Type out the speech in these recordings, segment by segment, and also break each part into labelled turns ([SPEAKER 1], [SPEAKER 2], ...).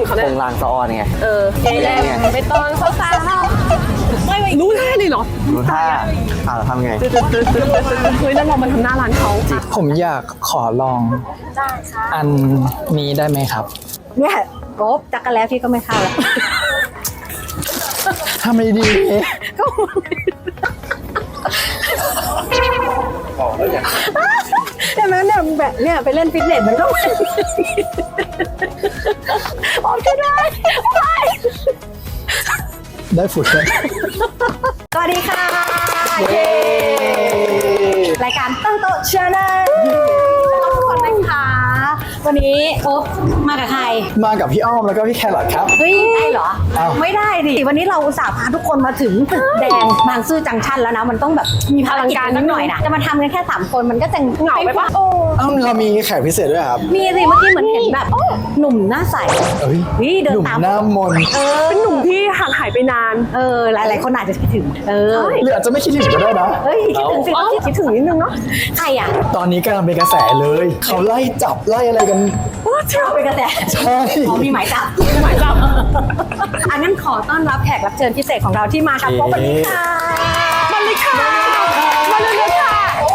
[SPEAKER 1] เขาเนี่ย
[SPEAKER 2] คงลางสะออนไง
[SPEAKER 1] แดงไปตอนเขาตาไม่รู้ท่าเลยเหรอ
[SPEAKER 2] รู้ท่าทำไง
[SPEAKER 1] เฮ้ยแล้วเรามาทำหน้าร้านเขา
[SPEAKER 3] ผมอยากขอลองอันนี้ได้ไหมครับ
[SPEAKER 4] เนี่ยโก๊บจักรแล้วพี่ก็ไม่เข้าแล้ว
[SPEAKER 3] ทำไมดี
[SPEAKER 4] ใช่ไหมเนี่ยแบบเนี่ยไปเล่นฟิตเนสมันก็โอเคได้
[SPEAKER 3] ได้ฝุ่นเลย
[SPEAKER 4] สวัสดีค่ะรายการตั้งโต๊ะชาแนลทุกคนนะคะวันนี้โอ๊บมากับใคร
[SPEAKER 3] มากับพี่อ้อมแล้วก็พี่แครอทครับ
[SPEAKER 4] เฮ้ยได้เหรอ
[SPEAKER 3] อ้าว
[SPEAKER 4] ไม่ได้ดิวันนี้เราอุตส่าห์พาทุกคนมาถึงตึกแดงบางซื่อจังชันแล้วนะมันต้องแบบมีพลังการนิดหน่อยนะจะมาทำกันแค่3คนมันก็จะเหงาไปปะ
[SPEAKER 3] อ้าวเรามีแขกพิเศษด้วยครับ
[SPEAKER 4] มีสิเมื่อกี้เหมือนเห็นแบบหนุ่มหน้าใส
[SPEAKER 3] เอ้ย
[SPEAKER 4] นี่เดิ
[SPEAKER 3] ห
[SPEAKER 4] น
[SPEAKER 3] นุ่ม
[SPEAKER 4] ตาม
[SPEAKER 3] หน้ามน
[SPEAKER 1] เป็นหนุ่มที่ห่างหายไปนาน
[SPEAKER 4] หลายๆคนอาจจะคิดถึง
[SPEAKER 3] หรืออาจจะไม่คิดถึงก็ได้นะ
[SPEAKER 4] เฮ้ยคิดถึงสิ
[SPEAKER 1] คิดถึงนิดนึงเนาะ
[SPEAKER 4] ใครอ่ะ
[SPEAKER 3] ตอนนี้กำลังเป็นกระแสเลย เขาไล่จับไล่อะไรกัน
[SPEAKER 4] เราเป็นกระแส
[SPEAKER 3] ใช่
[SPEAKER 4] มีหมายจับอันนั้นขอต้อนรับแขกรับเชิญพิเศษของเราที่มาครับพบกันค่ะ
[SPEAKER 1] มาเลยค่ะมาเลยค่ะ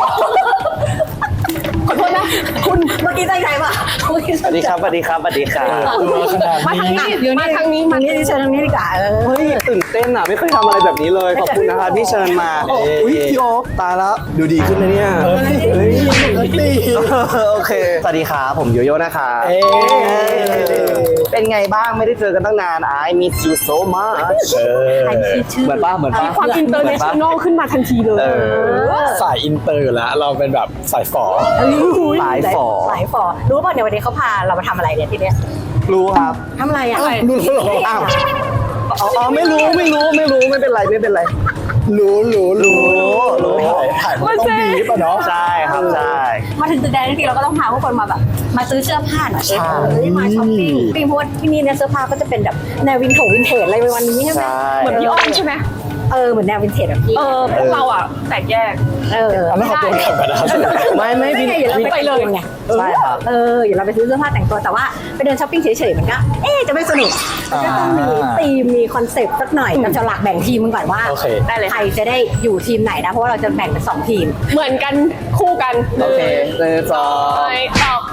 [SPEAKER 1] ขอโทษนะ
[SPEAKER 4] คุณเมื่อกี้ใจใครปะ
[SPEAKER 2] สวัสดีครับ สวัสดีครับ สวัสดีครับ
[SPEAKER 3] ขนาด
[SPEAKER 1] มาทาง
[SPEAKER 3] นี้
[SPEAKER 1] นี้เดี๋ยวมาทางนี้
[SPEAKER 4] ทางนี้เชิญทางนี้ดีกว่า
[SPEAKER 2] เฮ้ยตื่นเต้นอ่ะ ไม่เคยทำอะไรแบบนี้เลย ขอบคุณนะครับที่เชิญมาอุ้ยพี่โอ๊คตายแล้วดูดีขึ้นนะเนี่ย
[SPEAKER 3] เฮ้ยตี
[SPEAKER 2] โอเค สวัสดีครับผมโยโย่นะคะ
[SPEAKER 3] เอ๊ะ
[SPEAKER 2] เป็นไงบ้างไม่ได้เจอกันตั้งนาน I miss you so much เหมือนป้าเหมือนป้า
[SPEAKER 1] ความอินเตอร์เนชั่นแนลขึ้นมาทันทีเลย
[SPEAKER 3] สายอินเตอร์อยู่แล้ว เราเป็นแบบสายฝอ
[SPEAKER 2] สายฝ่อ
[SPEAKER 4] สายฝอรู้ป่ะเนี่ยวันนี้เขาพาเรามาทำอะไรเนี่ยที่เนี้ย
[SPEAKER 2] รู้ครับ
[SPEAKER 4] ทำอะไรอ่ะ
[SPEAKER 3] รู้แล้วเหรอ
[SPEAKER 2] อ้าวอ๋อไม่รู้ไม่เป็นไรไม่เป็นไร
[SPEAKER 3] รู้
[SPEAKER 2] รู้
[SPEAKER 3] ถ่ายมันต้องดีป่ะเนาะ
[SPEAKER 2] ใช่ครับใช่
[SPEAKER 4] มาถึงตึกแดงทีเราก็ต้องพาทุกคนมาแบบมาซื้อเสื้อผ้าหน่อย
[SPEAKER 3] ใช่
[SPEAKER 4] มาช้อปปิ้งเพราะว่าที่นี่เนี่ยเสื้อผ้าก็จะเป็นแบบแนววินเทจอะไรวันนี้ใช่ไหม
[SPEAKER 2] ใช่
[SPEAKER 1] เหมือนพี่อ้อมใช่ไหม
[SPEAKER 4] เหมือนแนววินเทจแบบพี่
[SPEAKER 1] พวกเราอ่ะแตกแยก
[SPEAKER 3] อันนั้นขอตัวกลับกันนะครับ
[SPEAKER 2] ไม่
[SPEAKER 4] ไม่อย่าเรา
[SPEAKER 1] ไป
[SPEAKER 4] ไป
[SPEAKER 1] เล
[SPEAKER 4] เลย ยไง
[SPEAKER 2] ใช่ครับ
[SPEAKER 4] อย่าเราไปซื้อเสื้อผ้าแต่งตัวแต่ว่าไปเดินช้อปปิ้งเฉยๆมันก็จะไม่สนุกมันก็ต้องมีธีมมีคอนเซปต์สักหน่อยเราจะหลักแบ่งทีมกันก่อนว่า
[SPEAKER 3] โอเค
[SPEAKER 1] ได้เลย
[SPEAKER 4] ใครจะได้อยู่ทีมไหนนะเพราะว่าเราจะแบ่งเป็น2ทีม
[SPEAKER 1] เหมือนกันคู่กัน
[SPEAKER 2] โอเคสอง
[SPEAKER 1] ไปออก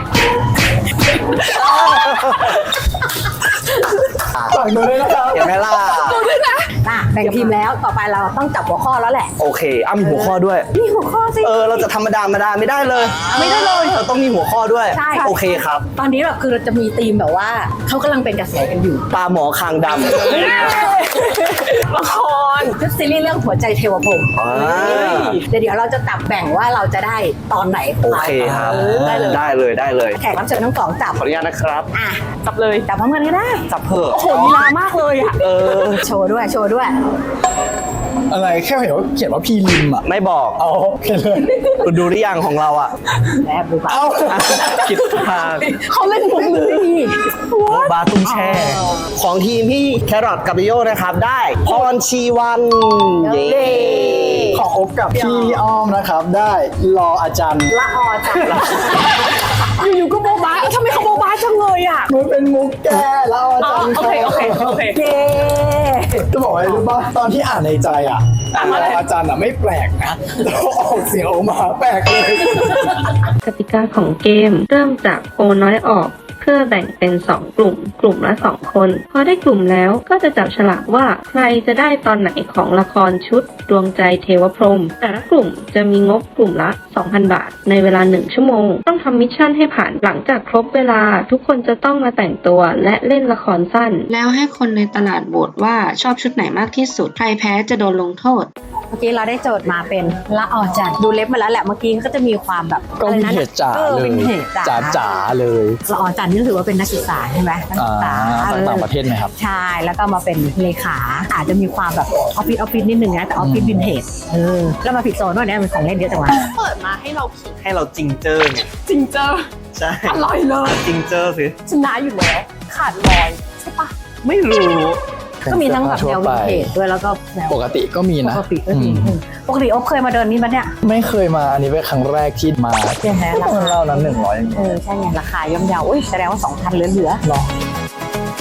[SPEAKER 3] ฝากดูด้วยนะครับ
[SPEAKER 2] เห็นไหมล่ะ
[SPEAKER 4] แบ่งทีมแล้วต่อไปเราต้องจับหัวข้อแล้วแหละ
[SPEAKER 2] โอเคมีหัวข้อด้วย
[SPEAKER 4] มีหัวข้อสิ
[SPEAKER 2] เราจะธรรมดาไม่ได้เลย เราต้องมีหัวข้อด้วย
[SPEAKER 4] ใช่
[SPEAKER 2] โอเคครับ
[SPEAKER 4] ตอนนี้แบบคือเราจะมีธีมแบบว่าเขากำลังเป็นกระแสกันอยู่
[SPEAKER 2] ปลาหมอคางดำ
[SPEAKER 1] ละคร
[SPEAKER 4] ชุดซีรีส์เรื่องหัวใจเทวพรหม เดี๋ยวเราจะจับแบ่งว่าเราจะได้ตอนไหน
[SPEAKER 2] โอเคครับ
[SPEAKER 4] ได้เลย
[SPEAKER 2] ได้เลย
[SPEAKER 4] แขกรับเชิญทั้งสองจับ
[SPEAKER 2] ขออนุญาตนะครับ
[SPEAKER 4] อ่ะ
[SPEAKER 1] จับเลย
[SPEAKER 4] จับพร้อมกันก็ได้
[SPEAKER 2] จับเถอะ
[SPEAKER 1] โอ้โหลีลามากเลยอ่ะ
[SPEAKER 4] โชว์ด้วย
[SPEAKER 3] อะไรแค่เห็นว่าเขียนว่าพีริมอ่ะ
[SPEAKER 2] ไม่บอก
[SPEAKER 3] เอาโอเคเลย
[SPEAKER 2] คุณดูหรือยังของเราอ่ะ
[SPEAKER 4] แอบดูป่ะ
[SPEAKER 3] เอา
[SPEAKER 2] คิดทาง
[SPEAKER 1] เขาเล่นมุกเลย
[SPEAKER 2] บาตุ้มแช่ ของทีมพี่แครอทกับโยนะครับ ได้พรชีวันเย้
[SPEAKER 3] ของอบกับพี่อ้อมนะครับ ได้รออาจารย์
[SPEAKER 4] ละออจับ
[SPEAKER 1] อยู่ๆก็โบบาทำไมเขาโบบาจังเลยอ่ะ
[SPEAKER 3] มันเป็นมุกแกแล้วอาจารย์
[SPEAKER 1] โอเค
[SPEAKER 4] เย้
[SPEAKER 3] จะบอกอะไรรู้ป่ะตอนที่อ่านในใจอ่ะอาจารย์อ่ะไม่แปลกนะแต่พอออกเสียงออกมาแปลกเลย
[SPEAKER 5] กติกาของเกมเริ่มจากโอน้อยออก เพื่อแบ่งเป็น 2 กลุ่ม กลุ่มละ 2 คน พอได้กลุ่มแล้วก็จะจับฉลากว่าใครจะได้ตอนไหนของละครชุดดวงใจเทวพรหมแต่ละกลุ่มจะมีงบกลุ่มละ 2,000 บาท ในเวลา 1 ชั่วโมง ต้องทำมิชชั่นให้ผ่านหลังจากครบเวลาทุกคนจะต้องมาแต่งตัวและเล่นละครสั้น แล้วให้คนในตลาดโหวตว่าชอบชุดไหนมากที่สุด ใครแพ้จะโดนลงโทษ
[SPEAKER 4] เมื่อกี้เราได้โจทย์มาเป็นละออจันดูเล็บมาแล้วแหละเมื่อกี้ก็จะมีความแบบ
[SPEAKER 3] ก็วินเทจจ๋าเลย
[SPEAKER 4] วินเทจจ๋า
[SPEAKER 3] จ๋าเลย
[SPEAKER 4] ละออจันนี่ถือว่าเป็นนักศึกษาใช่ไหมนักศึกษา
[SPEAKER 3] ต่างประเทศไหมครับ
[SPEAKER 4] ใช่แล้วก็มาเป็นเลขาอาจจะมีความแบบออฟฟิศนิดนึงนะแต่ออฟฟิศวินเทจแล้วมาผิดโซนด้วยเนี่ยมันของเล่นเยอะจังวะ
[SPEAKER 1] เปิดมาให้เราขิง
[SPEAKER 2] ให้เราจริงเจอไง
[SPEAKER 1] จริงเจอ
[SPEAKER 2] ใช่
[SPEAKER 1] อร่อยเลย
[SPEAKER 2] จริงเจอสิ
[SPEAKER 1] ชนะอยู่แล้วขาดลอยใช่ปะ
[SPEAKER 2] ไม่รู้
[SPEAKER 4] ก็มีทั้งแบบแนววินเทจด้วยแล้วก็แนว
[SPEAKER 3] ปกติก็มี
[SPEAKER 4] ป
[SPEAKER 3] นะ
[SPEAKER 4] กติก็มีปกติอ๊บเคยมาเดินนี่มั้ยเนี่ย
[SPEAKER 3] ไม่เคยมาอันนี้เป็นครั้งแรกที่มา
[SPEAKER 4] ใช่ไหมราคา
[SPEAKER 3] เล่านั้น100
[SPEAKER 4] ใช่ไงราคาย่อมเยาอุ้ยแสดงว่า2,000เหลือ
[SPEAKER 3] ลอง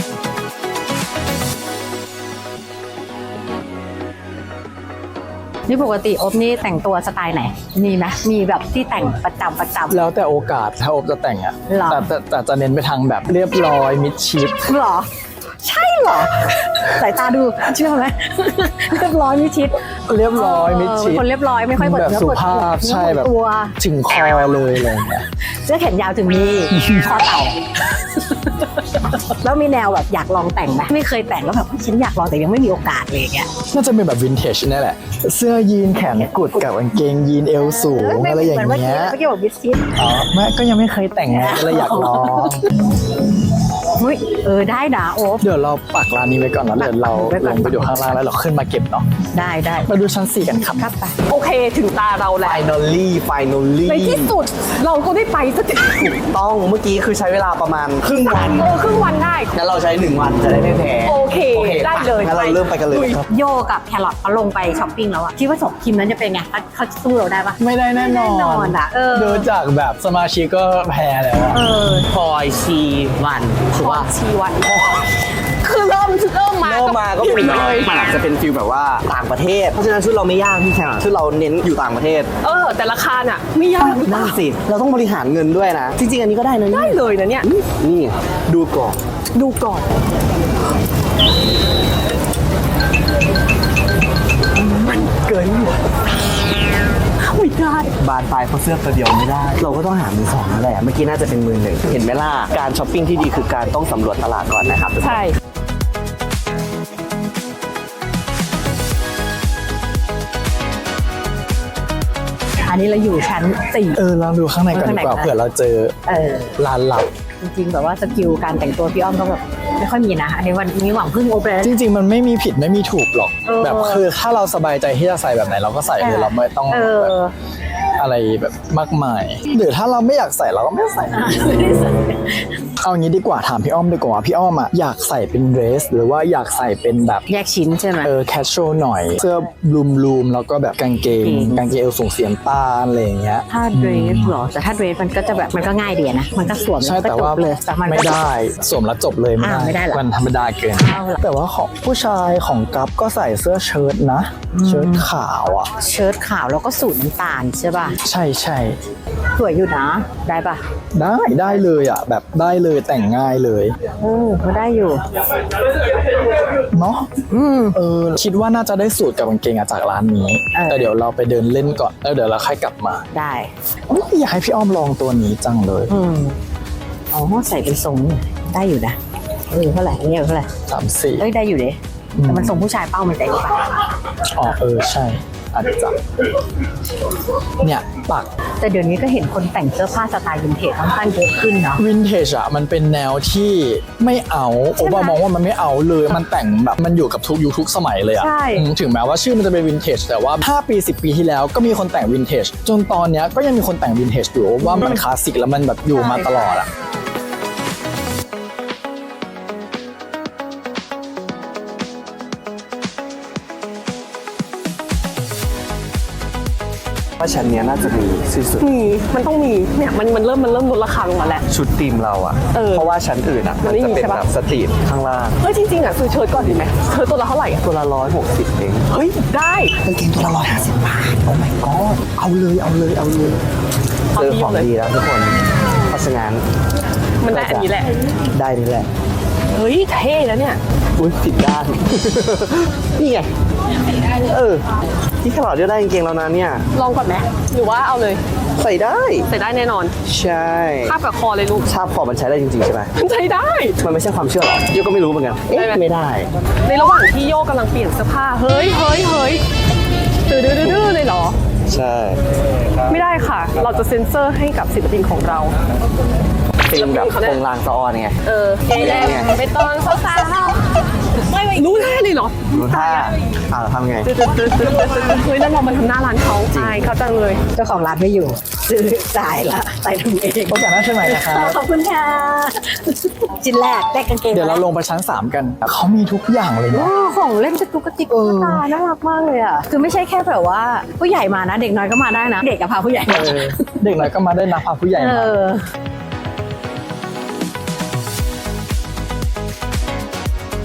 [SPEAKER 4] นี่ปกติอบนี่แต่งตัวสไตล์ไหนมีไหมมีแบบที่แต่งประจำ
[SPEAKER 3] แล้วแต่โอกาสถ้าอบจะแต่งอ่ะ
[SPEAKER 4] หรอ
[SPEAKER 3] แต่จะเน้นไปทางแบบเรียบร้อยมิดชิด
[SPEAKER 4] หรอใช่เหรอสายตาดูเชื่อไหมเรียบร้อยมิดชิด
[SPEAKER 3] เรียบร้อยมิดชิด
[SPEAKER 4] เป็นคนเรียบร้อยไม่ค่อยเปิด
[SPEAKER 3] แบบ
[SPEAKER 4] เนื้อ
[SPEAKER 3] สุ
[SPEAKER 4] เปิด
[SPEAKER 3] ภาพใช่แบบ
[SPEAKER 4] ตัว
[SPEAKER 3] ถึงคอเลยอะไรอย่างเงี้ย
[SPEAKER 4] เสื้อแขนยาวถึงนี่คอเต่าแล้วมีแนวแบบอยากลองแต่งไหมไม่เคยแต่งแล้วแบบฉันอยากลองแต่ยังไม่มีโอกาสเลยอย่างเงี้ย
[SPEAKER 3] น่าจะเป็นแบบวินเทจนี่แหละ เสื้อยีนแขนกุดกับกางเกงยีนเอวสูงอะไรอย่างเงี้ย
[SPEAKER 4] เมื่อกี้บอกมิดชิด
[SPEAKER 3] อ๋อไม่ก็ยังไม่เคยแต่งไงก็เลยอยากลอง
[SPEAKER 4] อุ้ยได้นะโอ๊บ
[SPEAKER 3] เดี๋ยวเราปักร้านนี้ไว้ก่อนแล้วเดี๋ยวเรา
[SPEAKER 4] ไว้ก่
[SPEAKER 3] ล
[SPEAKER 4] อน
[SPEAKER 3] งไปดูข้างล่างแล้วเราขึ้นมาเก็บเนาะ
[SPEAKER 4] ได้
[SPEAKER 3] มาดูชั้น 4 กันครับ
[SPEAKER 4] ครับไป
[SPEAKER 1] โอเคถึงตาเราแล้ว
[SPEAKER 2] finally
[SPEAKER 1] ในที่สุดเราก็ได้ไปสักที
[SPEAKER 2] ต้องเมื่อกี้คือใช้เวลาประมาณครึ่งวัน
[SPEAKER 1] ครึ่งวันได้
[SPEAKER 2] งั้นเราใช้1 วันจะได้ไม่แพ้
[SPEAKER 1] โอเคได้เลย
[SPEAKER 2] งั้นเราเริ่มไปกันเลยครับ
[SPEAKER 4] โยกับแครอทเขาลงไปช้อปปิ้งแล้วอะคิดว่า2ทีมนั้นจะเป็นไงเขาสู้เราได้ปะ
[SPEAKER 3] ไม่ได้แน่นอน
[SPEAKER 4] แน่นอนอะ
[SPEAKER 3] ดูจากแบบสมาชิกก็แพ้แล้วอะ
[SPEAKER 2] พลอยชีวันถือว่า
[SPEAKER 1] ชีวันคือเริ่มมา
[SPEAKER 2] เริ่มมาก็
[SPEAKER 1] ผิ
[SPEAKER 2] เป็น
[SPEAKER 1] ดเลย
[SPEAKER 2] มันอาจจะเป็นฟิลแบบว่าต่างประเทศ เพราะฉะนั้นชุดเราไม่ยากพี่แขกชุดเราเน้นอยู่ต่างประเทศ
[SPEAKER 1] แต่ราคาน่ะไม่ยากหรือเป
[SPEAKER 2] นั่
[SPEAKER 1] ล่าน
[SPEAKER 2] สิเราต้องบริหารเงินด้วยนะ จริงๆอันนี้ก็ได้นะ
[SPEAKER 1] ได้เลยนะเนี่ย
[SPEAKER 2] นี่ดูก่อน
[SPEAKER 1] ดูก่อน
[SPEAKER 2] เกิน
[SPEAKER 1] ไม่ได้
[SPEAKER 2] บานปลายเพราะเสื้อตัวเดียวไม่ได้ เราก็ต้องหามือสองนั่นแหละเมื่อกี้น่าจะเป็นมือหนึ่งเห็นไหมล่ะการช้อปปิ้งที่ดีคือการต้องสำรวจตลาดก่อนนะครับทุกคน
[SPEAKER 1] ใช่
[SPEAKER 4] อันนี้เราอยู่ชั้น4
[SPEAKER 3] ลองดูข้างในก่อนดีกว่า
[SPEAKER 4] ข้างใน
[SPEAKER 3] เผื่อเราเจอ
[SPEAKER 4] เออ
[SPEAKER 3] ร้านลับ
[SPEAKER 4] จริงๆแบบว่าสกิลการแต่งตัวพี่อ้อมก็แบบไม่ค่อยมีนะอันนี้วันนี้หวังพึ่งโอเปร่า
[SPEAKER 3] จริงๆ มันไม่มีผิดไม่มีถูกหรอก
[SPEAKER 4] เออ
[SPEAKER 3] แบบคือถ้าเราสบายใจที่จะใส่แบบไหนเราก็ใส่เลยเราไม่ต้อง
[SPEAKER 4] เอ
[SPEAKER 3] แบบ
[SPEAKER 4] อ
[SPEAKER 3] อะไรแบบมากมายหรือถ้าเราไม่อยากใส่เราก็ไม่ใส่ เอางี้ดีกว่าถามพี่อ้อมดีกว่าพี่อ้อมอะอยากใส่เป็นเดรส หรือว่าอยากใส่เป็นแบบ
[SPEAKER 4] แยกชิ้นใช่ไหม
[SPEAKER 3] แคชชวลหน่อย เสื้อบลูมแล้วก็แบบกางเกงเอวสูงเสียมตาอะไรอย่างเงี้ย
[SPEAKER 4] ถ้าเดรสเหรอแต่ถ้าเดรสมันก็จะแบบมันก็ง่ายดีนะมันก็สวม
[SPEAKER 3] ใช่
[SPEAKER 4] ล้
[SPEAKER 3] แต่
[SPEAKER 4] ก็จ
[SPEAKER 3] ว่า
[SPEAKER 4] บเลยแต่มันก็
[SPEAKER 3] ไม่ได้สวมแล้วจบเลยไม่
[SPEAKER 4] ไม่ได้เหรอ
[SPEAKER 3] มันธรรมดาเกิน
[SPEAKER 4] เอาล่ะ
[SPEAKER 3] แต่ว่าของผู้ชายของกัฟก็ใส่เสื้อเชิ้ตนะเชิ้ตขาวอ่ะ
[SPEAKER 4] เชิ้ตขาวแล้วก็สูทน้ำตาลใช่ป่ะ
[SPEAKER 3] ใช่ใช่
[SPEAKER 4] สวยอยู่นะได้ป่ะ
[SPEAKER 3] ได้เลยอ่ะแบบได้เลยแต่งง่ายเลย
[SPEAKER 4] ก็ได้อยู่
[SPEAKER 3] เนาะคิดว่าน่าจะได้สูตรกับกางเกงอะจากร้านนี้ แต่เดี๋ยวเราไปเดินเล่นก่อนแล้วเดี๋ยวเราค่อยกลับมา
[SPEAKER 4] ได้
[SPEAKER 3] อยากให้พี่อ้อมลองตัวนี้จังเลย
[SPEAKER 4] อ๋อใส่เป็นทรงได้อยู่นะเท่าไหร่อันนี้เท่าไหร่
[SPEAKER 3] 3-4
[SPEAKER 4] เอ้ยได้อยู่เด้แต่มันทรงผู้ชายเป้ามันใจป่ะ
[SPEAKER 3] อ๋อใช่อาจจะเนี่ยปัก
[SPEAKER 4] แต่เดี๋ยวนี้ก็เห็นคนแต่งเสื้อผ้าสไตล์วินเทจค่อนข้างเยอะขึ้นเนาะ
[SPEAKER 3] วินเทจอะมันเป็นแนวที่ไม่เอาโอปามองว่ามันไม่เอาเลยมันแต่งแบบมันอยู่กับทุกยุคทุกสมัยเลยอะ
[SPEAKER 4] ใช่
[SPEAKER 3] ถึงแม้ว่าชื่อมันจะเป็นวินเทจแต่ว่า5 ปี 10 ปีที่แล้วก็มีคนแต่งวินเทจจนตอนเนี้ยก็ยังมีคนแต่งวินเทจอยู่ว่ามันคลาสสิกแล้วมันแบบอยู่มาตลอดอะ
[SPEAKER 2] ว่าชั้นเนี้ยน่าจะมีที่สุด
[SPEAKER 1] มันต้องมีเนี่ยมันเริ่มลดราคาลงมาแล้ว
[SPEAKER 2] ชุดทีมเราอะเพราะว่าชั้นอื่นอะ
[SPEAKER 1] มั
[SPEAKER 2] มัน
[SPEAKER 1] นไม่
[SPEAKER 2] จะ
[SPEAKER 1] มี
[SPEAKER 2] เป็น
[SPEAKER 1] ใช่ปะ
[SPEAKER 2] แบบสตรีทข้างล่าง
[SPEAKER 1] เฮ้ยจริงๆอ่ะซื้อเชิ้ตก่อนดีไหมเชิ้ตตัวละเท่าไหร่อ่ะ
[SPEAKER 2] ตัวละ160เอง
[SPEAKER 1] เฮ้ยได้
[SPEAKER 2] กางเกงตัวละ150 บาทโอ้ my god เอาเลยเจอของดีแล้วทุกคนเพราะฉะนั้น
[SPEAKER 1] มันได้อันนี้แหละ
[SPEAKER 2] ได้นี่แหละ
[SPEAKER 1] เฮ้ยเท่แล้วเนี่ย
[SPEAKER 2] อุ้ยผิดด้าน นี่ไงที่ขลอดจะได้กางเกงแล้วนะเนี่ย
[SPEAKER 1] ลองก่อนไหมหรือว่าเอาเลย
[SPEAKER 2] ใส่ได้
[SPEAKER 1] ใส่ได้แน่นอน
[SPEAKER 2] ใช่
[SPEAKER 1] คาบกับคอเลยลูก
[SPEAKER 2] ชาบคอมันใช้ได้จริงๆใช่ไหม
[SPEAKER 1] มันใช้ได้
[SPEAKER 2] มันไม่ใช่ความเชื่อหรอโยก็ไม่รู้เหมือนกันเอ๊ะ
[SPEAKER 1] ได้ไหม
[SPEAKER 2] ไม่ได้
[SPEAKER 1] ในระหว่างที่โยกกำลังเปลี่ยนเสื้อผ้าเฮ้ยดื้อเลยเหรอ
[SPEAKER 2] ใช่
[SPEAKER 1] ไม่ได้ค่ะ เราจะเซ็นเซอร์ให้กับศิลปินของเรา
[SPEAKER 2] ฟิล์มแบบโปรงลางสะออนไง
[SPEAKER 1] เอแลไปตอนสาวๆไม่รู้ท่าเลยเหรอ
[SPEAKER 2] รู้ท่าทำไง
[SPEAKER 1] เฮ้ยนั่นเรามาทำหน้าร้านเขาอายเขาจังเลย
[SPEAKER 4] เจ้าของร้านไม่อยู่ซื้อจ่ายละใส่ถุงเอง
[SPEAKER 3] โอกาสหน้าเชิญใหม่นะครับ
[SPEAKER 4] ขอบคุณค่ะชิ้นแรกได้กางเกง
[SPEAKER 3] เดี๋ยวเราลงไปชั้น 3 กันเขามีทุกอย่างเลยนะ
[SPEAKER 4] ของเล่นกระตุกกระติกตุ๊กตาน่ารักมากเลยอ่ะคือไม่ใช่แค่แบบว่าผู้ใหญ่มานะเด็กน้อยก็มาได้นะเด็กกับพาผู้ใหญ่มา
[SPEAKER 3] เด็กน้อยก็มาได้นะพาผู้ใหญ่มา
[SPEAKER 2] ช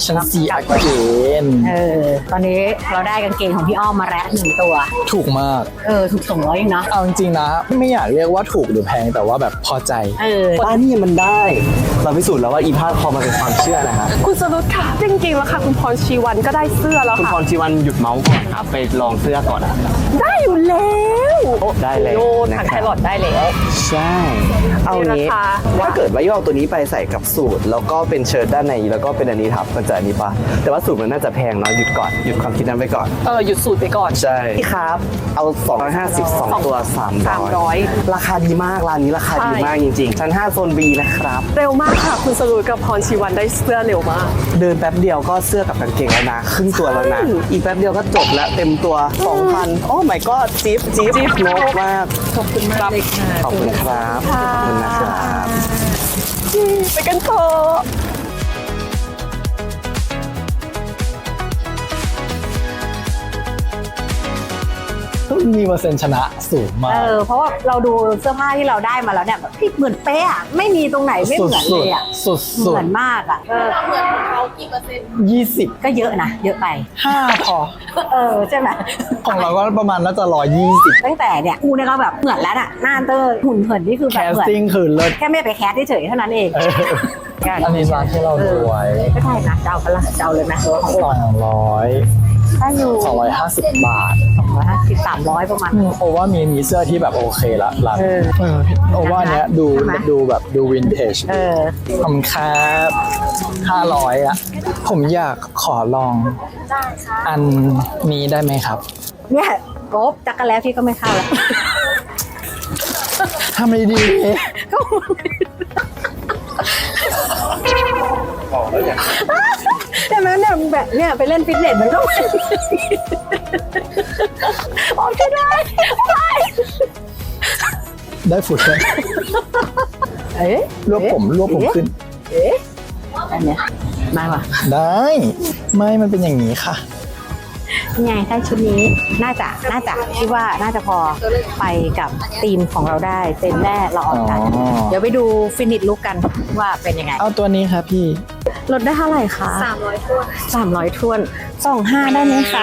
[SPEAKER 3] ฉันซีอาเกน
[SPEAKER 4] ตอนนี้เราได้กางเกงของพี่อ้อมมาแล้ว1 ตัว
[SPEAKER 3] ถูกมาก
[SPEAKER 4] ถูก200เองนะ
[SPEAKER 3] เอาจริงๆนะ ไม่อยากเรียกว่าถูกหรือแพงแต่ว่าแบบพอใจ
[SPEAKER 2] ว่านี่มันได้ เราพิสูจน์แล้วว่าอีพาดคอมันเป็นความเชื่อนะฮะ
[SPEAKER 1] คุณสรุปค่ะจริงๆแล้วค่ะคุณพรชีวันก็ได้เสื้อแล้ว
[SPEAKER 2] คุณ
[SPEAKER 1] ค่ะ
[SPEAKER 2] พรชีวันหยุดเมาส์ก่อนครับไปลองเสื้อก่อนนะ
[SPEAKER 1] ได้อยู่แล้ว
[SPEAKER 2] ได้เลย
[SPEAKER 1] โล
[SPEAKER 2] นะ
[SPEAKER 1] ถัง
[SPEAKER 2] ค
[SPEAKER 1] แครับ รอทได้แล้ว
[SPEAKER 2] ใช่ เอางี้
[SPEAKER 1] ราคา
[SPEAKER 2] ถ้าเกิดว่าย่อตัวนี้ไปใส่กับสูทแล้วก็เป็นเชิ้ตด้านในแล้วก็เป็นอันนี้ทับมันจะอันนี้ปะแต่ว่าสูทมันน่าจะแพงเนาะหยุดก่อนหยุดความคิดนั้นไปก่อน
[SPEAKER 1] หยุดสูตรไปก่อน
[SPEAKER 2] ใช่พี่ครับเอา250 2ตัว300ราคาดีมากร้านนี้ราคาดีมากจริงๆชั้น5โซน B นะครับ
[SPEAKER 1] เร็วมากค่ะ คุณสรุปกับพรชีวันได้เสื้อเร็วมาก
[SPEAKER 2] เดินแป๊บเดียวก็เสื้อกับกางเกงแล้วนะครึ่งตัวแล้วนะ
[SPEAKER 1] ใช่
[SPEAKER 2] อีกแป๊บเดียวก็จบแล้วเต็มตัว 2,000 โอ้ my god จิ๊บนกมาก
[SPEAKER 1] ขอบคุณมากเลยค่ะ
[SPEAKER 2] ขอบคุณครับขอบคุณนะครับ
[SPEAKER 1] ไปกันเถอะ
[SPEAKER 3] มีเปอร์เซ็นต์ชนะสูงมาก
[SPEAKER 4] เพราะว่าเราดูเสื้อผ้าที่เราได้มาแล้วเนี่ยแบบเหมือนเป๊ะอะไม่มีตรงไหนไม่เหมือนเลยอะ
[SPEAKER 3] สุด
[SPEAKER 4] เหมือนมากอะ
[SPEAKER 3] 20
[SPEAKER 4] ก็เยอะนะเยอะไป
[SPEAKER 3] 5พอ
[SPEAKER 4] ใช่ไหม
[SPEAKER 3] ของเราก็ประมาณน่าจะ120
[SPEAKER 4] ตั้งแต่เนี่ยกูเนี่ยก็แบบเหมือนแล้วน่ะหน้าเตอร์หุ่นเหินนี่คือ
[SPEAKER 3] แค
[SPEAKER 4] แบบ
[SPEAKER 3] ส
[SPEAKER 4] เหมือน
[SPEAKER 3] ติ้งคือเลิศ
[SPEAKER 4] แค่ไม่ไปแคสเฉยๆเท่านั้นเอง
[SPEAKER 3] อันนี้ร้านที่เราดูไว้
[SPEAKER 4] ก็ได้นะเจ้าปะละเจ้าเลยไหมหรือว่าของอื่น
[SPEAKER 3] 200
[SPEAKER 4] ถ้าอยู่
[SPEAKER 3] 250 บาท
[SPEAKER 4] 250 300ประมาณ
[SPEAKER 3] โอว่ามีเสื้อที่แบบโอเคละร้านโอว่าเนี้ยดู
[SPEAKER 4] ใช่ไหม
[SPEAKER 3] ดูแบบดูวินเทจขอบคุณครับ500อ่ะ ผมอยากขอลองอันนี้ได้ไหมครับ
[SPEAKER 4] เนี่ยโก๊บจักรแล้วพี่ก็ไม่เข้าแล้ว
[SPEAKER 3] ทำไมดี
[SPEAKER 4] แต่แม้เนี่ยแบบเนี่ยไปเล่นฟิตเนสมันก็โอ้ช่วยได้
[SPEAKER 3] ได้ฝุ่นเลย รวบผมขึ้น
[SPEAKER 4] อันเนี้ยได้ป่ะ
[SPEAKER 3] ได้ ไม่มันเป็นอย่างนี้ค่ะ
[SPEAKER 4] ไงได้ชุดนี้น่าจะคิดว่าน่าจะพอไปกับทีมของเราได้เต็มแน่เราออกกัน
[SPEAKER 3] อ๋อ
[SPEAKER 4] เดี๋ยวไปดูฟินิชลุกกันว่าเป็นยังไง
[SPEAKER 3] เอาตัวนี้ครับพี่
[SPEAKER 4] ลดได้เท่าไหร่คะ300ท้วน300ท้วน25ได้ไหมคะ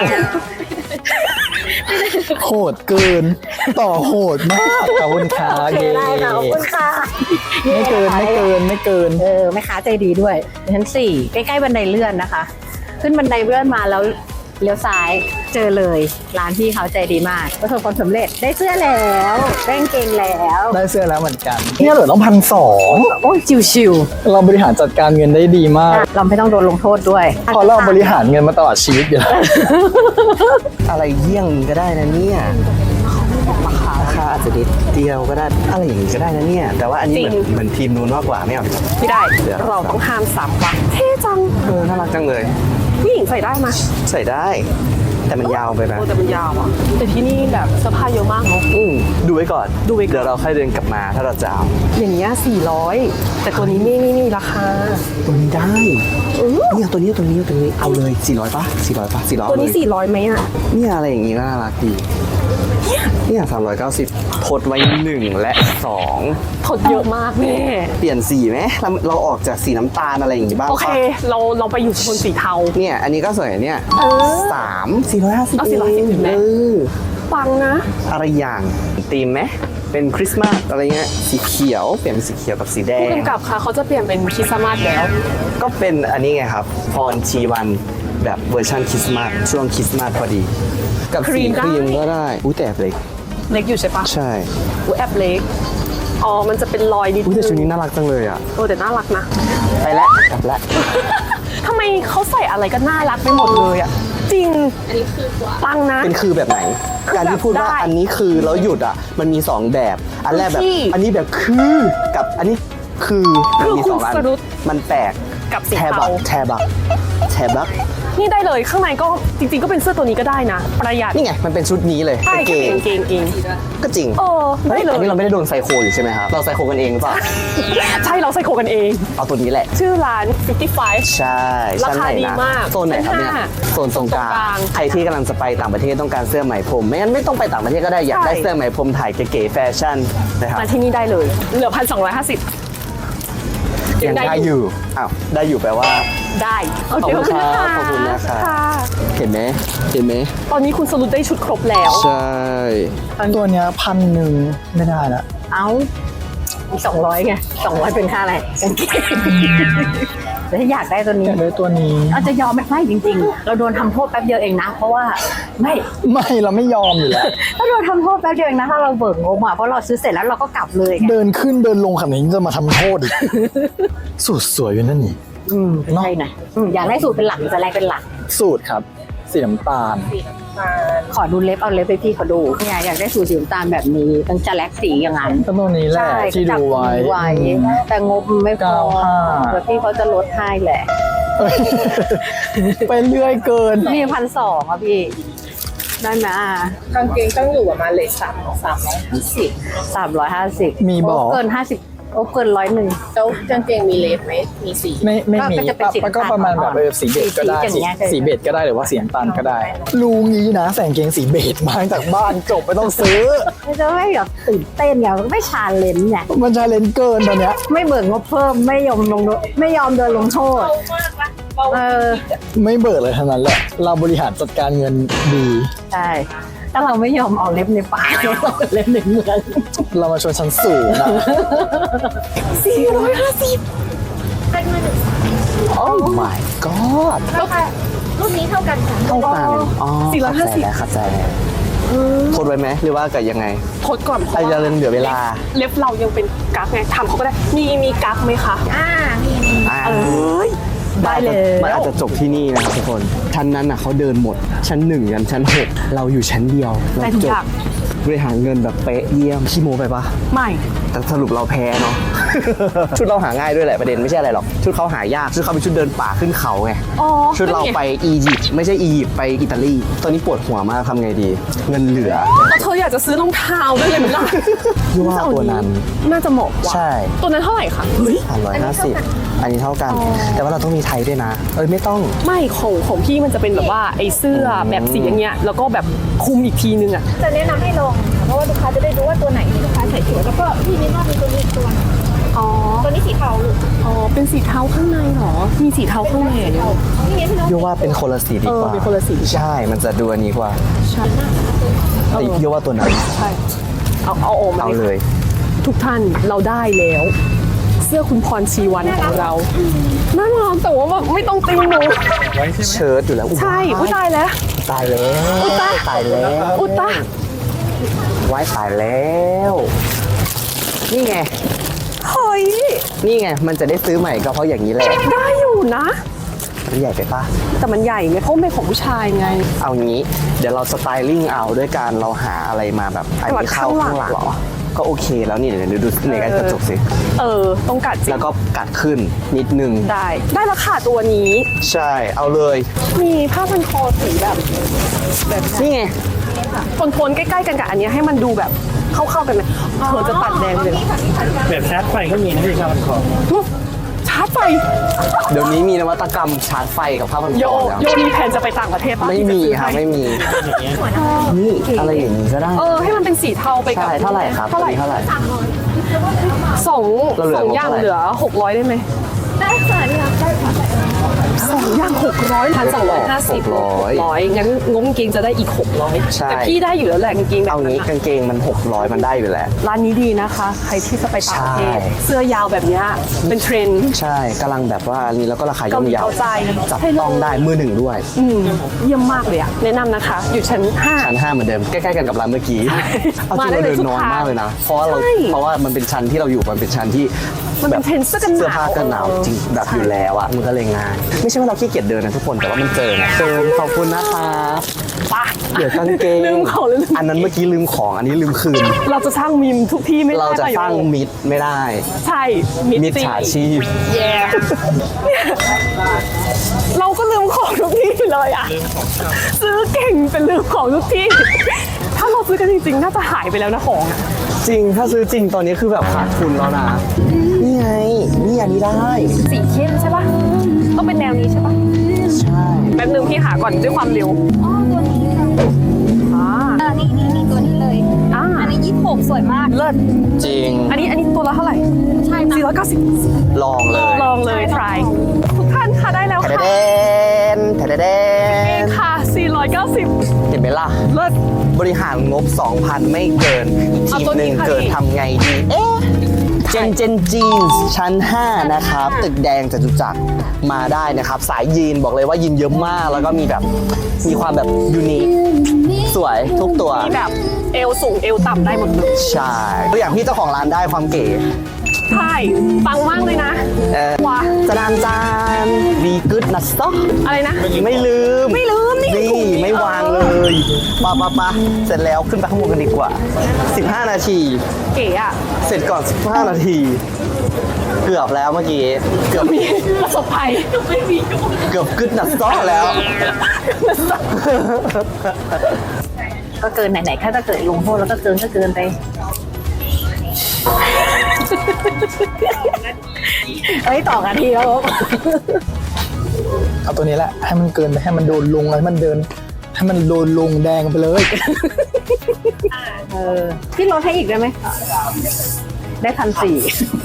[SPEAKER 3] โหดเกิน ต่อโหดมากขอบคุณค่ะ
[SPEAKER 4] โอเคได้ค่ะขอบคุณค่ะ
[SPEAKER 3] ไม่เกิน
[SPEAKER 4] แม่ค้าใจดีด้วยชั้น4ใกล้ๆบันไดเลื่อนนะคะ ขึ้นบันไดเลื่อนมาแล้วเลี้ยวซ้ายเจอเลยร้านพี่เขาใจดีมากประสบความสำเร็จได้เสื้อแล้วได้กางเกงแล้ว
[SPEAKER 3] ได้เสื้อแล้วเหมือนกันเนี่ยเหลือต้อง1,200
[SPEAKER 4] โอ้ยชิว
[SPEAKER 3] เราบริหารจัดการเงินได้ดีมาก
[SPEAKER 4] ๆเราไม่ต้องโดนลงโทษด้วย
[SPEAKER 3] เพราะเราบริหารเงินมาตลอดชีวิตอยู่แล้ว
[SPEAKER 2] อะไรเยี่ยงก็ได้นะเนี่ยราคาอาจจะนิดเดียวก็ได้อะไรอย่างนี้ก็ได้นะเนี่ย แต่ว่าอันนี้เหมือนทีมนู้นมากกว่าไม่เอา
[SPEAKER 1] ไม่ได้
[SPEAKER 2] เดี๋ยว
[SPEAKER 1] เราต้องห้าม3 วันเท่จัง
[SPEAKER 2] น่ารักจังเลย
[SPEAKER 1] ผู้หญิงใส่ได้ไหม
[SPEAKER 2] ใส่ได้ แต่มันยาวไปไหม
[SPEAKER 1] โอ้แต่มันยาวอ่ะแต่ที่นี่แบบเสื้อผ้าเยอะมากเนาะ
[SPEAKER 2] ดูไว้ก่อน
[SPEAKER 1] ดูไว้ก่อน
[SPEAKER 2] เดี๋ยวเราค่อยเดินกลับมาถ้าเราจะเอา
[SPEAKER 1] อย่างเงี้ย400 แต่ตัวนี้นี่ราคา
[SPEAKER 2] ตัวนี้ได้เนี่ยตัวนี้เอาเลย400ป่ะ400
[SPEAKER 1] ตัวนี้
[SPEAKER 2] เลย
[SPEAKER 1] 400ไหมอ่ะ
[SPEAKER 2] เนี่ยอะไรอย่างงี้น่ารักดีเนี่ย390ทดไว้1และ2
[SPEAKER 1] ถดเยอะมากแม่
[SPEAKER 2] เปลี่ยนสีไหมเราออกจากสีน้ำตาลอะไรอย่างงี้บ้าง
[SPEAKER 1] โอเค
[SPEAKER 2] ปะ
[SPEAKER 1] เราไปอยู่โซนสีเทา
[SPEAKER 2] เนี่ยอันนี้ก็สวยเนี่ย 450
[SPEAKER 1] เอา450เห็นไหม ปังนะ
[SPEAKER 2] อะไรอย่างธีมไหมเป็นคริสต์มาสอะไรเงี้ยสีเขียวเปลี่ยนเป็นสีเขียวกับสีแด
[SPEAKER 1] ผู้
[SPEAKER 2] ง
[SPEAKER 1] กำกับค่ะเขาจะเปลี่ยนเป็นคริสต์มาสแล้ว
[SPEAKER 2] ก็เป็นอันนี้ไงครับพรชีวันแบบเวอร์ชันคริสต์มาสช่วงคริสต์มาสพอดี กับสีครีมก็ได้อุ้ยแต่เล็ก
[SPEAKER 1] เล็กอยู่ใช่ปะ
[SPEAKER 2] ใช่
[SPEAKER 1] อุ๊ยแอบเล็ก อ๋อ มันจะเป็นรอยนิด
[SPEAKER 2] อุ้ยแต่ชุด
[SPEAKER 1] นึ
[SPEAKER 2] นี้
[SPEAKER 1] ง
[SPEAKER 2] น่ารักจังเลยอ่ะ
[SPEAKER 1] แต่น่ารักนะ
[SPEAKER 2] ไปแล้วกลับแล้ว
[SPEAKER 1] ทำไมเขาใส่อะไรก็น่ารักไปหมดเลยอ่ะ จริง อันนี้คือกว่าปังนะ
[SPEAKER 2] เป็นคือแบบไหน
[SPEAKER 1] คือ
[SPEAKER 2] การที่พูดว่า
[SPEAKER 1] แบบได้
[SPEAKER 2] อันนี้คือแล้วหยุดอ่ะมันมี2แบบอันแรกแบบ
[SPEAKER 1] ที่
[SPEAKER 2] อันนี้แบบคือกับอันนี้คือมันมี
[SPEAKER 1] คือ
[SPEAKER 2] 2อัน
[SPEAKER 1] คุณสรุป
[SPEAKER 2] มันแปลก
[SPEAKER 1] กับสี
[SPEAKER 2] แท
[SPEAKER 1] เทา
[SPEAKER 2] บักแทบัก
[SPEAKER 1] นี่ได้เลย ข้างในก็จริงๆ ก็เป็นเสื้อตัวนี้ก็ได้นะ ประหยัด
[SPEAKER 2] นี่ไงมันเป็นชุดนี้เลย
[SPEAKER 1] ใช่
[SPEAKER 2] กางเกง
[SPEAKER 1] เกงเอง
[SPEAKER 2] ก็จริง
[SPEAKER 1] ได้เลย
[SPEAKER 2] อันนี้เราไม่ได้โดนไซโคอยู่ใช่ไหมครับเราไซโคกันเองหรือเปล่า
[SPEAKER 1] ใช่เราใส่โคกันเอง
[SPEAKER 2] เอาตัวนี้แหละ
[SPEAKER 1] ชื่อร้าน 55
[SPEAKER 2] ใช่
[SPEAKER 1] ราคา
[SPEAKER 2] ชั้นไหน
[SPEAKER 1] ดี
[SPEAKER 2] นะ
[SPEAKER 1] มาก
[SPEAKER 2] โซนไหนครับเนี่ย
[SPEAKER 1] ชั้น
[SPEAKER 2] โซนตรงกลา
[SPEAKER 1] ตรงกลาง
[SPEAKER 2] งใครที่กำลังจะไปต่างประเทศต้องการเสื้อไหมพรมไม่งั้นไม่ต้องไปต่างประเทศก็ได้อยากได้
[SPEAKER 1] ใช่
[SPEAKER 2] เสื้อไหมพรมถ่ายเก๋ๆแฟชั่นนะครับ
[SPEAKER 1] มาที่นี่ได้เลย เหลือ 1,250
[SPEAKER 2] ยังได้อยู่อ้าวได้อยู่แปลว่า
[SPEAKER 1] ได้โอ
[SPEAKER 2] ขอบ
[SPEAKER 1] เค
[SPEAKER 2] คุณครับ
[SPEAKER 1] ะ
[SPEAKER 2] ขอบคุณนะครับ
[SPEAKER 1] ค่ะ
[SPEAKER 2] เห็นไหมเห็นไหม
[SPEAKER 1] ตอนนี้คุณสรุปได้ชุดครบแล้ว
[SPEAKER 2] ใช่
[SPEAKER 3] ตัวเนี้ย1,000ไม่ได้ละ
[SPEAKER 4] เอา200ไง200เป็นค่าอะไรกางเกงแต่ถ้าอยากได้ตัวนี้
[SPEAKER 3] อยากได้ตัวนี้
[SPEAKER 4] เราจะยอมไม่จริงๆ เราโดนทำโทษแป๊บเดียวเองนะ เพราะว่าไม่
[SPEAKER 3] ไม่เราไม่ยอมอยู่แล้ว
[SPEAKER 4] ถ้าโดนทำโทษแป๊บเดียวเองนะถ้าเราเบิกงบอ่ะเพราะเราซื้อเสร็จแล้วเราก็กลับเลยไง
[SPEAKER 3] เดินขึ้นเดินลงขนาดนี้จะมาทำโทษอีก สูตรสวยอยู่นั่นนี่
[SPEAKER 4] ใช่นะอยากได้สูตรเป็นหลักหรือจะแลกเป็นหลัก
[SPEAKER 3] สูตรครับ สีน้ำตาล
[SPEAKER 4] ขอดูเล็บเอาเล็บไปพี่เขาดูเนี่ยอยากได้สูตรสีน้ำตาลแบบนี้ต้องจะแลกสีอย่างนั้น
[SPEAKER 3] ก็ตัวนี้แหละ
[SPEAKER 4] ใช่
[SPEAKER 3] ที่ดูไว้
[SPEAKER 4] แต่งบไม่พอ
[SPEAKER 3] 95
[SPEAKER 4] เดี๋ยวพี่เขาจะลดให้แหละ
[SPEAKER 3] เอ้ย ไปเรื่อยเกิน
[SPEAKER 4] นี่1,200อ่ะพี่ได้ไหม
[SPEAKER 1] กางเกงต้องอยู่ประมาณเลท
[SPEAKER 4] 350
[SPEAKER 3] มีบอก
[SPEAKER 4] เกิน50โอ้เกิน100
[SPEAKER 1] แล้วกางเกงมีเลทไหมมีสี
[SPEAKER 3] ไม่มี
[SPEAKER 4] ก็จะเป็นสี
[SPEAKER 3] ก็ประมาณแบบสีเบจก็ได้
[SPEAKER 4] สีอย่างเงี้ย
[SPEAKER 3] สีเบจก็ได้หรือว่าสีน้ำตาลก็ได้ รู้งี้นะใส่กางเกงสีเบจมาจากบ้านจบไม่ต้องซื้อ
[SPEAKER 4] ไม่จะไม่แบบตื่นเต้นไงไม่ชาเลนจ์ไง
[SPEAKER 3] มันชาเลนจ์เกินตอนเนี้ย
[SPEAKER 4] ไม่เบิกงบเพิ่มไม่ยอมโดนลงโทษ
[SPEAKER 3] ไม่เบิกเลยทั้งนั้นแหละ เราบริหารจัดการเงินดี
[SPEAKER 4] ใช่ถ้าเราไม่ยอมเอาเล็บในป่าเราเอาเล็บในเมือง
[SPEAKER 3] เรามาชนชั้นสูงอะ
[SPEAKER 2] โอ้ my god
[SPEAKER 6] รุ่นนี้เท่ากันค่ะ
[SPEAKER 2] เท่ากันอ๋อ
[SPEAKER 1] 450
[SPEAKER 2] เข้าใจแล้วทดไว้ไหมหรือว่ากับยังไง
[SPEAKER 1] ทดก่อนเพ
[SPEAKER 2] ไอ้
[SPEAKER 1] ราะ
[SPEAKER 2] จะ
[SPEAKER 1] ว่า
[SPEAKER 2] เหลือเวลา
[SPEAKER 1] เล็บเรายังเป็นกั๊กไงทำเขาก็ได้มีกั๊กไหมคะ
[SPEAKER 6] มี
[SPEAKER 1] ได้เลย
[SPEAKER 2] มันอาจจะจบที่นี่นะครับทุกคน ชั้นนั้นน่ะเขาเดินหมด ชั้น 1 ยันชั้น 6 เราอยู่ชั้นเดียว เรา
[SPEAKER 1] ได้ทุก
[SPEAKER 2] จ
[SPEAKER 1] อบ ย่าง
[SPEAKER 2] บริหารเงินแบบเป๊ะเยี่ยมขี้โมไปปะ
[SPEAKER 1] ไม่
[SPEAKER 2] แต่สรุปเราแพ้เนาะ ชุดเราหาง่ายด้วยแหละประเด็นไม่ใช่อะไรหรอก ชุดเขาหายาก ชุดเขาเป็นชุดเดินป่าขึ้นเขาไง
[SPEAKER 1] อ๋อ
[SPEAKER 2] ชุดเราไปอียิปต์ไม่ใช่อียิปต์ไปอิตาลี ตอนนี้ปวดหัวมากทำไงดี เงินเหลือ
[SPEAKER 1] แล้วเธออยากจะซื้อรองเท้าด้วยเลยไหมล่ะ
[SPEAKER 2] พี่ว่าตัวนั้น
[SPEAKER 1] น่าจะเหมาะกว่า
[SPEAKER 2] ใช่
[SPEAKER 1] ตัวนั้นเท่าไหร่คะเฮ้ย
[SPEAKER 2] 350 อันนี้เท่ากัน แต่ว่าเราต้องมีไทยด้วยนะ ไม่ต้อง
[SPEAKER 1] ไม่ของพี่มันจะเป็นแบบว่าไอ้เสื้อแบบสีอย่างเงี้ยแล้วก็แบบคลุมอีกทีนึงอ่ะ
[SPEAKER 6] จะแนะนำให้ลองค่ะเพราะว่าลูกค้าจะได้รู้ว่าตัวไหนที่ลูกค้าใส่สวยแล้วก็พี่มินว่ามีตัวนี้อีกตัวหนึ่ง
[SPEAKER 1] อ๋อ
[SPEAKER 6] ตัวนี้สีเทาลูก
[SPEAKER 1] อ๋อเป็นสีเทาข้างในเหรอมีสีเทาข้างในเหรอเนี่ย
[SPEAKER 6] นี่ไงพี่น้อง
[SPEAKER 2] โยว่าเป็นคนละสีดีกว่า
[SPEAKER 1] เป็นคนละสี
[SPEAKER 2] ใช่ มันจะดูอันนี้กว่า
[SPEAKER 1] ใช่
[SPEAKER 2] แต่โยว่าตัวนั้น
[SPEAKER 1] ใช่เอาออกมา
[SPEAKER 2] เอาเลย
[SPEAKER 1] ทุกท่านเราได้แล้ว เสื้อคุณพรชีวันของเราน่ารักแต่ว่าแบบไม่ต้องติงหนู
[SPEAKER 2] เชิ้ตอยู่แล้ว
[SPEAKER 1] ใช่อุ้ยตายแล้ว
[SPEAKER 2] ตายแล้ว
[SPEAKER 1] อุ๊ยตาย
[SPEAKER 2] ตายแล้ว
[SPEAKER 1] อุยตาย
[SPEAKER 2] ไว้ตายแล้ว นี่ไง
[SPEAKER 1] เฮ้ย
[SPEAKER 2] นี่ไง มันจะได้ซื้อใหม่ก็เพราะอย่างนี้แหละ
[SPEAKER 1] ได้อยู่นะ
[SPEAKER 2] มันใหญ่ไปปะ
[SPEAKER 1] แต่มันใหญ่ไงเพราะมันเป็นของผู้ชายไง
[SPEAKER 2] เอางี้ เดี๋ยวเราสไตลิ่งเอาด้วยการเราหาอะไรมาแบบอันนี้เข้าข้างหลัง
[SPEAKER 1] เหรอ
[SPEAKER 2] ก็โอเคแล้วนี่เดี๋ยวดูในกระจกสิ
[SPEAKER 1] ต้องกัดจริง
[SPEAKER 2] แล้วก็กัดขึ้นนิดนึง
[SPEAKER 1] ได้ราคาตัวนี้
[SPEAKER 2] ใช่ เอาเลย
[SPEAKER 1] มีผ้าพันคอสีแบบ
[SPEAKER 2] นี่ไง
[SPEAKER 1] โทนๆใกล้ๆกันกับอันเนี้ยให้มันดูแบบเข้าๆกันไหมเธอจะตัดแดงเลยเหรอ
[SPEAKER 7] แบบชาร์จไฟก็มีนะพี่ครับมันขอ
[SPEAKER 1] ชาร์จไฟ
[SPEAKER 2] เดี๋ยวนี้มีนวัตกรรมชาร์จไฟกับผ้าพันค
[SPEAKER 1] โย
[SPEAKER 2] อแล้ว
[SPEAKER 1] มีแผนจะไปต่างประเทศปะ
[SPEAKER 2] ไม่มี
[SPEAKER 1] ที่จะซื้อ
[SPEAKER 2] ครับ
[SPEAKER 1] ให้
[SPEAKER 2] ไม่มี นี่อะไรอย่างนี้ก็ได้
[SPEAKER 1] ให้มันเป็นสีเทาไปกับ
[SPEAKER 2] ใช่เท่าไหร่ครับ
[SPEAKER 1] เท่าไหร่
[SPEAKER 2] เท่าไหร่
[SPEAKER 1] สอง
[SPEAKER 2] เราเหลือ
[SPEAKER 1] อย่าง
[SPEAKER 2] เท่าไหร่
[SPEAKER 1] เหลือ600ได้ไหม
[SPEAKER 6] ได้ค่ะนี่ค่ะได้ค่ะ
[SPEAKER 1] 2 อย่าง600 1,250 600งั้นงบกางเกงจะได้อีก600
[SPEAKER 2] ใช่
[SPEAKER 1] แต่พี่ได้อยู่แล้วแหละกางเกงแบบ
[SPEAKER 2] เอา
[SPEAKER 1] นั้
[SPEAKER 2] งี้
[SPEAKER 1] น
[SPEAKER 2] กางเกงมัน600มันได้อยู่แล้ว
[SPEAKER 1] ร้านนี้ดีนะคะ ใครที่จะไปต่างประเทศ
[SPEAKER 2] ใช่
[SPEAKER 1] เสื้อยาวแบบเนี้ยเป็นเทรนด์
[SPEAKER 2] ใช่กำลังแบบว่าอันนี้แล้วก็ราคาย่อมเยา
[SPEAKER 1] เกาใจ
[SPEAKER 2] จับ
[SPEAKER 1] ให้เลย
[SPEAKER 2] ต้องได้มือหนึ่งด้วย
[SPEAKER 1] เยี่ยมมากเลยอะแนะนำนะคะ อยู่ชั้น
[SPEAKER 2] ชั้น 5 เหมือนเดิม ใกล้ๆกันกับร้านเมื่อกี้เอาจริง
[SPEAKER 1] มาได้
[SPEAKER 2] เรา
[SPEAKER 1] เลย
[SPEAKER 2] เดินน้อย
[SPEAKER 1] ทุกทาง
[SPEAKER 2] มากเลยนะ เพราะว่าเรา
[SPEAKER 1] ใช่
[SPEAKER 2] เพราะว่ามันเป็นชั้นที่เราอยู่มันเป็นชั้นที่
[SPEAKER 1] มันเป็นเทรนด์เสื้อกันหนาว
[SPEAKER 2] เสื้อผ้ากันหนาวจริงแบบอยู่แล้วอะมันก็เลยง่ายไม่ใช่ว่าเราขี้เกียจเดินนะทุกคนแต่ว่ามันเจอไงขอบคุณนะคะ
[SPEAKER 1] ๆปะ
[SPEAKER 2] เดี๋ยวกางเกง
[SPEAKER 1] ลืมของเลย
[SPEAKER 2] อันนั้นเมื่อกี้ลืมของอันนี้ลืมคืน
[SPEAKER 1] เราจะสร้างมีมทุกที่ไม่ได้
[SPEAKER 2] เราจะ
[SPEAKER 1] ป่
[SPEAKER 2] สร้างมิตรไม่ได้
[SPEAKER 1] ใช่
[SPEAKER 2] มิตรฉาชีพ
[SPEAKER 1] แย่เราก็ลืมของทุกที่เลยอะซื้อเก่งเป็นลืมของทุกที่ ถ้าเราซื้อกันจริงๆ น่าจะหายไปแล้วนะของอะ
[SPEAKER 2] จริงถ้าซื้อจริงตอนนี้คือแบบขาดทุนแล้วนะ นี่ไง นี่อันนี้ได้
[SPEAKER 1] สีเข้มใช่ปะต้องเป็นแนวนี้ใช่ปะ
[SPEAKER 2] ใช่
[SPEAKER 1] แป๊บนึงพี่หาก่อนด้วยความเร็ว
[SPEAKER 6] อ๋อตัวนี้ค่ะ
[SPEAKER 1] อ่า
[SPEAKER 6] นี่ตัวนี้เลย
[SPEAKER 1] อ่า
[SPEAKER 6] อันนี้26สวยมาก
[SPEAKER 1] เลิศ
[SPEAKER 2] จริง
[SPEAKER 1] อันนี้ตัวละเท่าไหร่
[SPEAKER 6] ใช่ค่ะ
[SPEAKER 1] 490
[SPEAKER 2] ลองเลย
[SPEAKER 1] ลองเลย try ทุกท่านค่ะได้แล้ว
[SPEAKER 2] แทะเดน
[SPEAKER 1] ค่ะ 490
[SPEAKER 2] เห็นไหมล่ะ
[SPEAKER 1] เลิศ
[SPEAKER 2] บริหารงบ 2,000 ไม่เกิน
[SPEAKER 1] เอา
[SPEAKER 2] ทีม
[SPEAKER 1] ตัว
[SPEAKER 2] ห
[SPEAKER 1] นี้
[SPEAKER 2] นึ่ง
[SPEAKER 1] ค่ะ
[SPEAKER 2] เกิด
[SPEAKER 1] พี่
[SPEAKER 2] ทำไงดี เจนจีนชั้น 5 นะครับ ตึกแดงจตุจักรมาได้นะครับ สายยีนบอกเลยว่ายีนเยอะมาก แล้วก็มีความแบบยูนิคสวยทุกตัว
[SPEAKER 1] มีแบบเอวสูงเอวต่ำได้หมดเลย
[SPEAKER 2] ใช่ตัวอย่างพี่เจ้าของร้านได้ความเก๋
[SPEAKER 1] ใช่ปังมากเลยนะ ว้า
[SPEAKER 2] จานวีกึดนัสต็อก
[SPEAKER 1] อะไรนะ
[SPEAKER 2] ไม่ลืม
[SPEAKER 1] ไม่ลืมนี่
[SPEAKER 2] นี่ไม่วางเลยปะเสร็จแล้วขึ้นไปข้างบนกันดีกว่า 15 นาที
[SPEAKER 1] เก๋อะ
[SPEAKER 2] เสร็จก่อน 15 นาที เกือบแล้วเมื่อกี้ เกือบ
[SPEAKER 1] มีประสบภัยไม่มี
[SPEAKER 2] เกือบกึดนัสต็อกแล้ว
[SPEAKER 4] ก็เกินไหนๆถ้าจะเกิดลงโทษแล้วก็เกินไปเฮ้ยต่อกันทีแล้ว
[SPEAKER 3] เอาตัวนี้แหละให้มันเกินไปให้มันโดนลงให้มันเดิน ให้มันโดนลงแดงไปเลย
[SPEAKER 4] พี่ลดให้อีกได้ไหมได้1,400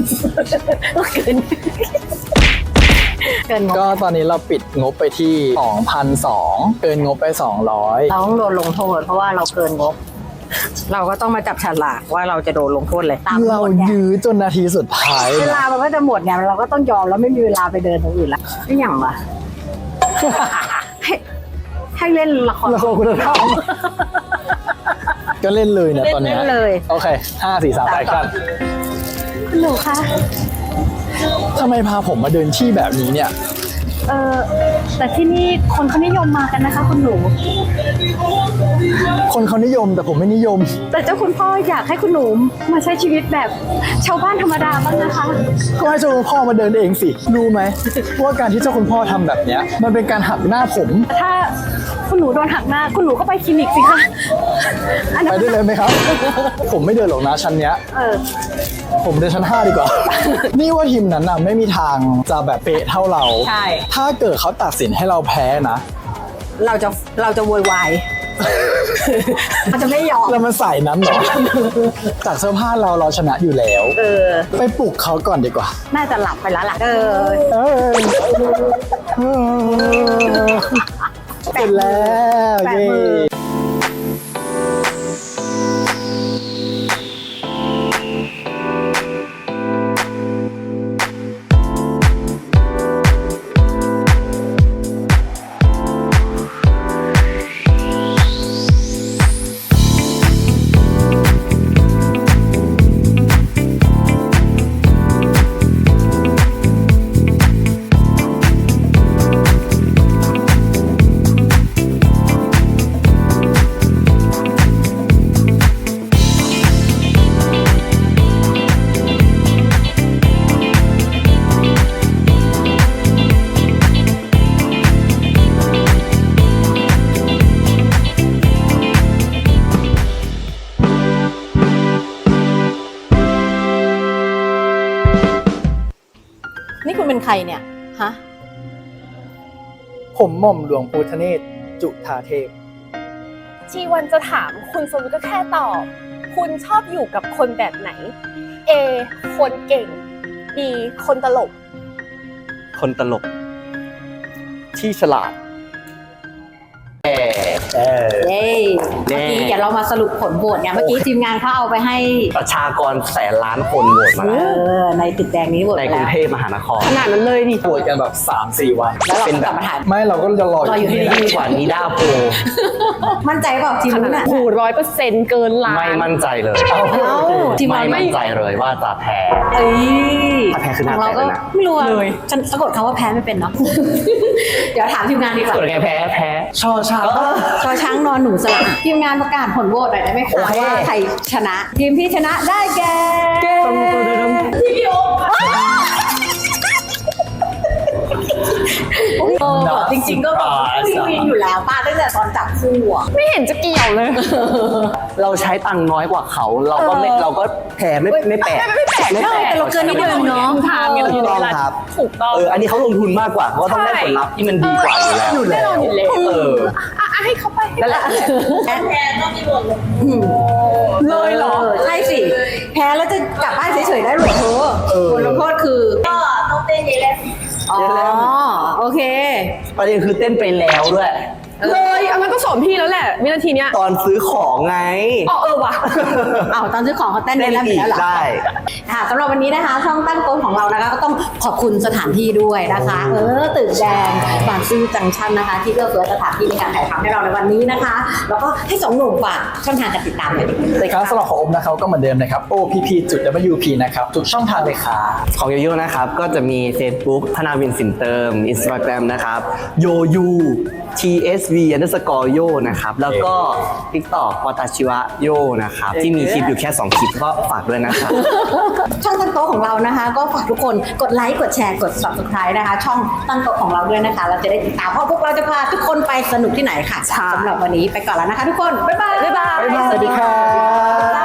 [SPEAKER 4] เกินงบ
[SPEAKER 3] ก็ตอนนี้เราปิดงบไปที่ 2,200 เกินงบไป 200
[SPEAKER 4] เราต้องโดนลงโทษเพราะว่าเราเกินงบ เราก็ต้องมาจับฉลากว่าเราจะโดนลงโทษอะไรตาม
[SPEAKER 3] เรา
[SPEAKER 4] กฎเนี่ย
[SPEAKER 3] ยื้อจนนาทีสุดท้าย
[SPEAKER 4] เวลามันก็จะหมดเนี่ยเราก็ต้องยอมแล้วไม่มีเวลาไปเดินตรงอื่นละไม่อย่างวะ ให้เล่นละคร
[SPEAKER 3] ละครคุณธรรมก็เล่นเลยเนี่ยตอนเนี้ย
[SPEAKER 4] เล่นเลย
[SPEAKER 3] โอเค 5 4 3แอคชั่น
[SPEAKER 4] คุณหนูคะ
[SPEAKER 3] ทำไมพาผมมาเดินที่แบบนี้เนี่ย
[SPEAKER 4] แต่ที่นี่คนเขานิยมมากันนะคะคุณหนู
[SPEAKER 3] คนเขานิยมแต่ผมไม่นิยม
[SPEAKER 4] แต่เจ้าคุณพ่ออยากให้คุณหนูมาใช้ชีวิตแบบชาวบ้านธรรมดาบ้างนะคะ
[SPEAKER 3] ก็ให้เจ้าคุณพ่อมาเดินเองสิ รู้ไหมว่าการที่เจ้าคุณพ่อทำแบบเนี้ยมันเป็นการหักหน้าผม
[SPEAKER 4] ถ้าคุณหนูโดนหักหน้าคุณหนูก็ไปคลินิกสิคะอันนั้
[SPEAKER 3] ไป
[SPEAKER 4] น
[SPEAKER 3] ได้เลยไหมครับ ผมไม่เดินหรอกนะชั้นเนี้ย ผมเดินชั้น 5 ดีกว่า นี่ว่าทีมนั้นน่ะไม่มีทางจะแบบเป๊ะเท่าเรา
[SPEAKER 4] ใช่
[SPEAKER 3] ถ้าเกิดเขาตัดสินให้เราแพ้นะ
[SPEAKER 4] เราจะโวยวาย เราจะไม่ยอม
[SPEAKER 3] แล้วมันใส่นั้นเหรอ จากเสื้อผ้าเราชนะอยู่แล้ว ไปปลุกเขาก่อนดีกว่า
[SPEAKER 4] น่าจะหลับไปแล้วล่ะ
[SPEAKER 3] เออเสร็จแล้วเย้
[SPEAKER 4] นี่คุณเป็นใครเนี่ย ฮะ
[SPEAKER 3] ผมหม่อมหลวงพุทธเนศจุฑาเทพ
[SPEAKER 1] ชีวันจะถามคุณสมมติก็แค่ตอบ คุณชอบอยู่กับคนแบบไหน A คนเก่ง B คนตลก
[SPEAKER 2] คนตลก ที่ฉลาด
[SPEAKER 4] เย้เมื่อกี้เดี๋ยวเรามาสรุปผลโหวตเนี่ยเมื่อกี้ทีมงานเขาเอาไปให้
[SPEAKER 2] ประชากรแสนล้านคนโหวตมาแล้ว
[SPEAKER 4] ในตึกแดงนี้โหวต
[SPEAKER 2] ใน
[SPEAKER 4] ไป
[SPEAKER 2] กรุ
[SPEAKER 4] แล้
[SPEAKER 2] ง
[SPEAKER 4] ว
[SPEAKER 2] เทพมหานคร
[SPEAKER 1] ขนาดนั้นเลยดิ
[SPEAKER 3] ป่วยกันแบบ 3-4 วัน
[SPEAKER 4] แล้วเรา
[SPEAKER 2] เป็น
[SPEAKER 4] ก็
[SPEAKER 2] แบบ
[SPEAKER 4] กลับมาถ่าย
[SPEAKER 3] ไม่เราก็จะรอ
[SPEAKER 4] รออยู่ที่นี่
[SPEAKER 2] กว่านิด้าโพล
[SPEAKER 4] มั่นใจเปล่าทีมนู้นอ่ะ
[SPEAKER 1] โอ้100%เกินล้าน
[SPEAKER 2] ไม่มั่นใจเลย
[SPEAKER 4] ทีม
[SPEAKER 2] ไม่
[SPEAKER 4] เรา
[SPEAKER 2] มั่นใจเลยว่าจะแพ้
[SPEAKER 4] เอ้ย
[SPEAKER 2] ถ้าแพ้คือหน้า
[SPEAKER 4] ของเรา
[SPEAKER 2] แตก
[SPEAKER 4] ก็
[SPEAKER 2] เลยนะ
[SPEAKER 4] ไม่รู้อะ
[SPEAKER 1] เลย
[SPEAKER 4] ฉันสะกดคำว่าแพ้ไม่เป็นเนาะ เดี๋ยวถามทีมงานดีกว่า
[SPEAKER 2] ส่วนไงแพ้
[SPEAKER 3] ชอช้าง
[SPEAKER 4] ชอช้างนอนหนูสระทีมงานประกาศผลโหวตหน่อยได้ไหมคะว่าใครชนะ ทีมที่ชนะได้แก่จริงๆก็แบบวินอยู่แล้วป้าตั้งแต่ตอนจับคู่อะ
[SPEAKER 1] ไม่เห็นจะเกี่ยวเลย
[SPEAKER 2] เราใช้ตังค์น้อยกว่าเขา เราก็แพ้ไม่แปลก
[SPEAKER 1] ไม่แปลก
[SPEAKER 4] แต่เราเกินนิดนึงเนาะ
[SPEAKER 1] ทางไงเรา
[SPEAKER 2] ถู
[SPEAKER 1] อกยู่ใน
[SPEAKER 2] ต้อง
[SPEAKER 1] เวลา
[SPEAKER 2] ครับ
[SPEAKER 1] ถูกต้อง
[SPEAKER 2] อันนี้เขาลงทุนมากกว่าเขาก็ต้องได้ผลลัพธ์ที่มันดีกว่าอยู่แล้ว
[SPEAKER 1] แน่นอนอยู่แล้ว ให้เขาไป
[SPEAKER 4] นั่นแหละ
[SPEAKER 1] เลยเหรอ
[SPEAKER 4] ใช่สิ แพ้แล้วจะกลับบ้านเฉยๆได้หรอเธอบทลงโทษคือ ก็ต้องเต้นเยเลนอ๋อ โอเค
[SPEAKER 2] ประเด็นคือเต้นไปแล้วด้วย
[SPEAKER 1] เลยเอางั้นก็สอนพี่แล้วแหละวินาทีเนี้ย
[SPEAKER 2] ตอนซื้อของไง
[SPEAKER 1] อ๋อว่ะ
[SPEAKER 4] เอาตอนซื้อของเขาเต้น
[SPEAKER 2] เต้น
[SPEAKER 4] ได้
[SPEAKER 2] อีก
[SPEAKER 4] แล้วเหรอ
[SPEAKER 2] ได้
[SPEAKER 4] ค่ะสำหรับวันนี้นะคะช่องตั้งโต๊ะของเรานะคะก็ต้องขอบคุณสถานที่ด้วยนะคะตึกแดงบางซื่อจังชั่นนะคะ ที่เลือกเฟื้อสถานที่ในการถ่ายทำให้เราในวันนี้นะคะ แล้วก็ให้สองหนุ่มฝากช่องทางการติดตามเลย
[SPEAKER 3] ในครั้งสำหรับของอมนะครับก็เหมือนเดิมนะครับ OPP.WP นะครับทุกช่องทางเลยครับ
[SPEAKER 2] ของโยโย่นะครับก็จะมี Facebook ธนาวินสินเติม Instagram นะครับโยยู TSV_โยนะครับ แล้วก็ TikTok วาตาชิวะโยนะครับ ที่มีคลิปอยู่แค่ 2 คลิปก็ฝากด้วยนะครับ
[SPEAKER 4] ช่องตั้งโต๊ะของเรานะคะ ก็ฝากทุกคนกดไลค์กดแชร์กด subscribe นะคะ ช่องตั้งโต๊ะของเราด้วยนะคะ เราจะได้ติดตามเพราะพวกเราจะพาทุกคนไปสนุกที่ไหนค่ะสำหรับวันนี้ไปก่อนแล้วนะคะ ทุกคนบ๊ายบาย
[SPEAKER 1] บ๊ายบาย
[SPEAKER 3] สวัสดีครับ